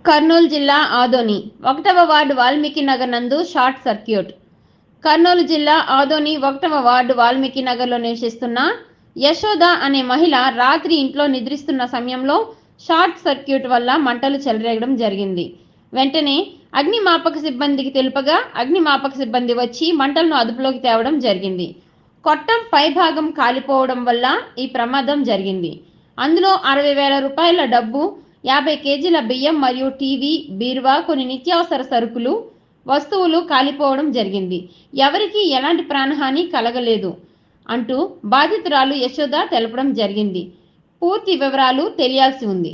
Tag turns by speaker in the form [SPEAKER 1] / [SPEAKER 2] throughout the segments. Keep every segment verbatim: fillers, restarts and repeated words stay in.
[SPEAKER 1] కర్నూలు జిల్లా ఆదోని ఒకటవ వార్డు వాల్మీకి నగర్ నందు షార్ట్ సర్క్యూట్. కర్నూలు జిల్లా ఆదోని ఒకటవ వార్డు వాల్మీకి నగర్లో నివసిస్తున్న యశోద అనే మహిళ రాత్రి ఇంట్లో నిద్రిస్తున్న సమయంలో షార్ట్ సర్క్యూట్ వల్ల మంటలు చెలరేగడం జరిగింది. వెంటనే అగ్నిమాపక సిబ్బందికి తెలుపగా అగ్నిమాపక సిబ్బంది వచ్చి మంటలను అదుపులోకి తేవడం జరిగింది. కొట్టం పైభాగం కాలిపోవడం వల్ల ఈ ప్రమాదం జరిగింది. అందులో అరవై వేల రూపాయల డబ్బు, యాభై కేజీల బియ్యం మరియు టీవీ, బీరువా, కొన్ని నిత్యావసర సరుకులు వస్తువులు కాలిపోవడం జరిగింది. ఎవరికీ ఎలాంటి ప్రాణహాని కలగలేదు అంటూ బాధితురాలు యశోద తెలపడం జరిగింది. పూర్తి వివరాలు తెలియాల్సి ఉంది.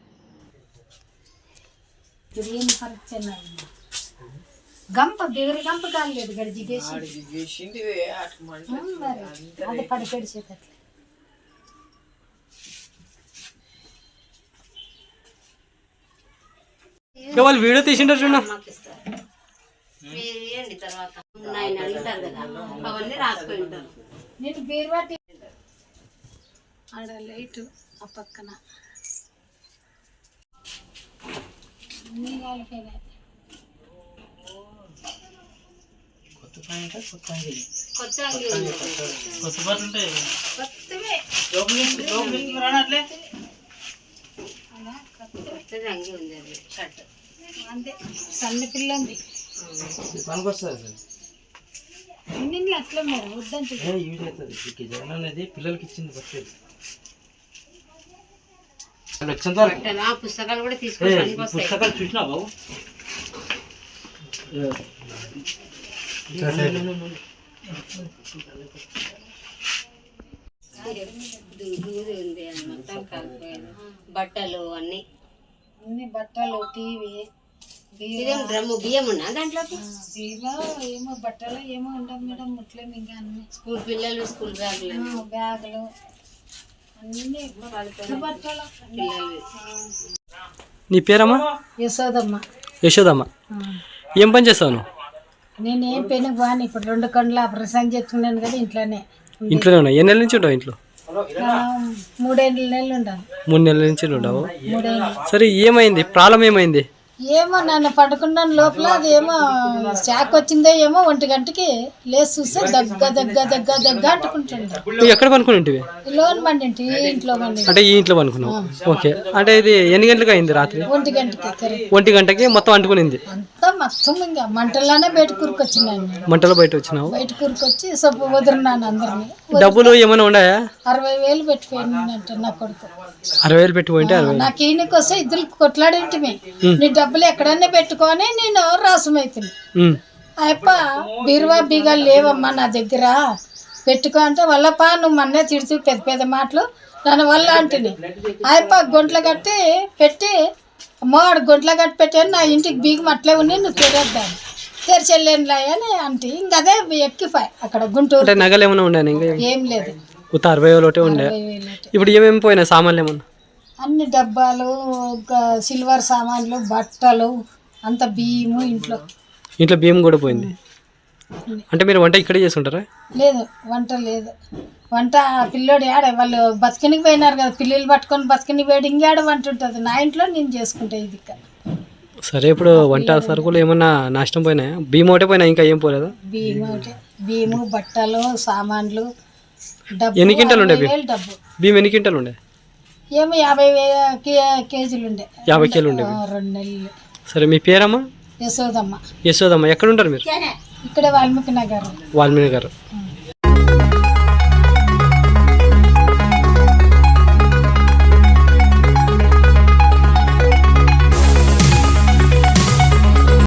[SPEAKER 2] గంప బిగరి గంప కాలేదు గడిచి అది పడిపెడిచేటట్లు
[SPEAKER 3] వాళ్ళు వీడియో తీసింటారు చూడ
[SPEAKER 2] నేను బీరువా ఆడ లైట్ ఆ పక్కన అన్ని కాలిపోయినాయి. అంతే సన్న పిల్ల ఉంది ఇన్ని అట్లా మరి వద్దంటే
[SPEAKER 3] పిల్లలకి ఇచ్చింది
[SPEAKER 1] పుస్తకాలు కూడా తీసుకొని
[SPEAKER 3] పుస్తకాలు చూసినా బాబు
[SPEAKER 1] బట్టలు అన్ని
[SPEAKER 2] అన్ని బట్టలు టీవీ
[SPEAKER 1] డ్రమ్ము బియ్యం ఉన్నా దాంట్లో
[SPEAKER 2] బీరువా ఏమో బట్టలు ఏమో ఉండవు మేడం ముట్లేము ఇంకా అన్ని
[SPEAKER 1] స్కూల్ పిల్లలు స్కూల్ బ్యాగులు
[SPEAKER 2] బ్యాగులు అన్ని బట్టలు
[SPEAKER 3] పిల్లలు. నీ పేరమ్మా?
[SPEAKER 2] యశోదమ్మ.
[SPEAKER 3] యశోదమ్మ, ఏం పని చేస్తావు నువ్వు?
[SPEAKER 2] నేను ఏం పైన బాగా ఇప్పుడు రెండు కండ్ల ఆపరేషన్ చేస్తున్నాను కదా ఇంట్లోనే.
[SPEAKER 3] ఇంట్లోనే ఉన్నా. ఎన్ని నెలల నుంచి ఉంటావు ఇంట్లో?
[SPEAKER 2] మూడేళ్ళ నెలలు ఉండాలి.
[SPEAKER 3] మూడు నెలల నుంచి ఉండవు.
[SPEAKER 2] మూడేళ్ళు.
[SPEAKER 3] సరే, ఏమైంది? ప్రాబ్లం ఏమైంది?
[SPEAKER 2] ఏమో నన్ను పడుకున్న లోపల అది ఏమో షాక్ వచ్చిందో ఏమో ఒంటి గంటకి లేచి చూస్తే దగ్గ దగ్గ దగ్గ దగ్గ అంటుకుంటుండే.
[SPEAKER 3] నువ్వు ఎక్కడ పనుకునింటివి?
[SPEAKER 2] లోన్ బండి ఇంట్లో బండి.
[SPEAKER 3] అంటే ఈ ఇంట్లో పనుకున్నావు? ఓకే. అంటే ఇది ఎన్ని గంటలకు అయింది? రాత్రి
[SPEAKER 2] ఒంటి గంటకి.
[SPEAKER 3] ఒంటి గంటకి మొత్తం అంటుకునింది
[SPEAKER 2] అంతా మొత్తం ఇంకా మంటల్లోనే బయట కూరుకొచ్చినాను.
[SPEAKER 3] మంటలో బయట వచ్చినావు?
[SPEAKER 2] బయట కూరుకొచ్చి సొప్పు వదిలినాను అందరినీ.
[SPEAKER 3] డబ్బులు ఏమైనా ఉన్నాయా?
[SPEAKER 2] అరవై వేలు పెట్టిపోయినంట నా కొడుకు.
[SPEAKER 3] అరవై వేలు పెట్టిపోయింటే
[SPEAKER 2] నాకు ఈయనకి వస్తే ఇద్దరు కొట్లాడేంటిమే. నీ డబ్బులు ఎక్కడన్నా పెట్టుకొని నేను రాసమైతుంది. అయ్యప్ప బీరువా బీగాలు లేవమ్మా నా దగ్గర పెట్టుకో అంటే వల్లపా నువ్వు మన్నే తిడుతూ పెద్ద పెద్ద మాటలు దాని వల్ల అంటుని అయ్యప్ప గొంట్ల కట్టి పెట్టి అమ్మవాడు గొంట్ల కట్టి పెట్టాను నా ఇంటికి బీగం అట్లే ఉన్నాయి నువ్వు తెరద్దాను తెరిచెళ్ళేనులా అని అంటే ఇంక అదే ఎక్కిపోయి అక్కడ గుంటూరు.
[SPEAKER 3] నగలు ఏమైనా ఉండే?
[SPEAKER 2] ఏం లేదు,
[SPEAKER 3] అరవై వేలు ఒకటే ఉండే. ఇప్పుడు ఏమేమి పోయినా సామాన్లు ఏమన్నా?
[SPEAKER 2] అన్ని డబ్బాలు, సిల్వర్ సామాన్లు, బట్టలు, అంత బియ్యము ఇంట్లో.
[SPEAKER 3] ఇంట్లో బియ్యం కూడా పోయింది. అంటే మీరు వంట ఇక్కడే చేసుకుంటారా?
[SPEAKER 2] లేదు, వంట లేదు. వంట పిల్లోడు ఆడ వాళ్ళు బతికినికి పోయినారు కదా, పిల్లలు పట్టుకొని బతికిని పోయాడు. ఇంకేడ వంట ఉంటుంది నా ఇంట్లో, నేను చేసుకుంటా ఇది.
[SPEAKER 3] సరే, ఇప్పుడు వంట సరుకులు ఏమన్నా నష్టం పోయినాయా? బియ్యం ఒకటే పోయినా, ఇంకా ఏం పోలేదా?
[SPEAKER 2] బియ్యం ఒకటే, బియ్యము, బట్టలు, సామాన్లు, డబ్బు.
[SPEAKER 3] ఎన్ని క్వింటాలు ఉండే బియ్యం?
[SPEAKER 2] డబ్బు
[SPEAKER 3] బియ్యం ఎన్ని క్వింటాలు ఉండే?
[SPEAKER 2] ఏమో యాభై కేజీలు ఉండే.
[SPEAKER 3] యాభై కేజీలు ఉండే
[SPEAKER 2] రెండు నెలలు.
[SPEAKER 3] సరే, మీ పేరమ్మా?
[SPEAKER 2] యశోదమ్మ.
[SPEAKER 3] యశోదమ్మ, ఎక్కడ ఉంటారు మీరు?
[SPEAKER 2] ఇక్కడ వాల్మీకి నగర్.
[SPEAKER 3] వాల్మీకి నగర్.